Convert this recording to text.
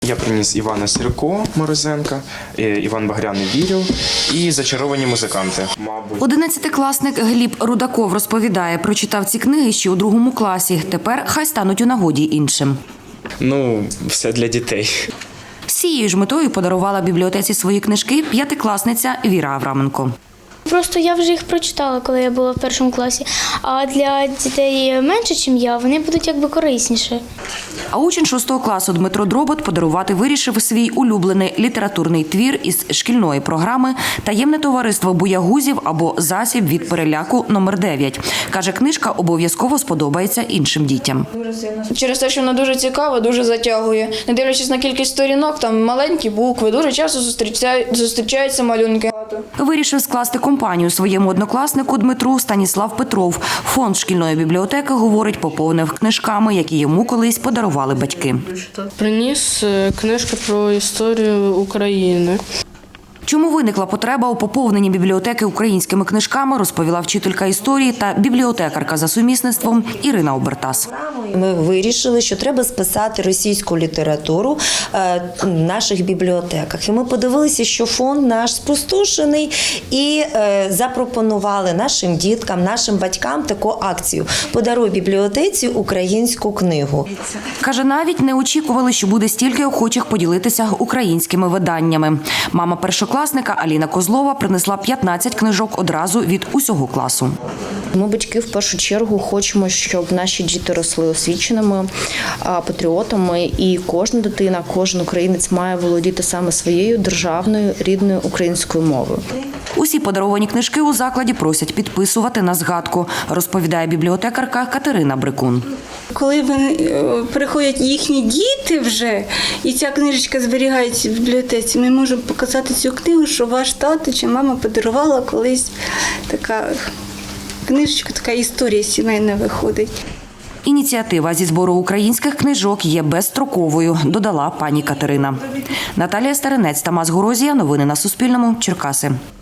Я приніс Івана Сірко Морозенка, Іван Багряний «Вірю» і «Зачаровані музиканти». 11-класник Гліб Рудаков розповідає, прочитав ці книги ще у 2 класі. Тепер хай стануть у нагоді іншим. Все для дітей. З цією ж метою подарувала бібліотеці свої книжки 5-класниця Віра Авраменко. Просто я вже їх прочитала, коли я була в 1 класі. А для дітей менше, ніж я, вони будуть якби корисніші. А учень 6 класу Дмитро Дробот подарувати вирішив свій улюблений літературний твір із шкільної програми «Таємне товариство боягузів» або «Засіб від переляку номер 9». Каже, книжка обов'язково сподобається іншим дітям. Через те, що вона дуже цікава, дуже затягує. Не дивлячись на кількість сторінок, там маленькі букви, дуже часто зустрічаються малюнки. Вирішив скласти компанію своєму однокласнику Дмитру Станіслав Петров. Фонд шкільної бібліотеки, говорить, поповнив книжками, які йому колись подарували батьки. Приніс книжку про історію України. Чому виникла потреба у поповненні бібліотеки українськими книжками, розповіла вчителька історії та бібліотекарка за сумісництвом Ірина Обертас. Ми вирішили, що треба списати російську літературу в наших бібліотеках. І ми подивилися, що фонд наш спустошений, і запропонували нашим діткам, нашим батькам таку акцію «Подаруй бібліотеці українську книгу». Каже, навіть не очікували, що буде стільки охочих поділитися українськими виданнями. Мама першокласника Аліна Козлова принесла 15 книжок одразу від усього класу. Ми, батьки, в першу чергу хочемо, щоб наші діти росли освіченими, патріотами, і кожна дитина, кожен українець має володіти саме своєю державною рідною українською мовою. Усі подаровані книжки у закладі просять підписувати на згадку, розповідає бібліотекарка Катерина Брикун. Коли приходять їхні діти вже, і ця книжечка зберігається в бібліотеці, ми можемо показати цю книгу, що ваш тато чи мама подарувала колись така книжечка, така історія сімейна виходить. Ініціатива зі збору українських книжок є безстроковою, додала пані Катерина. Наталія Старинець, Тамас Горозія. Новини на Суспільному. Черкаси.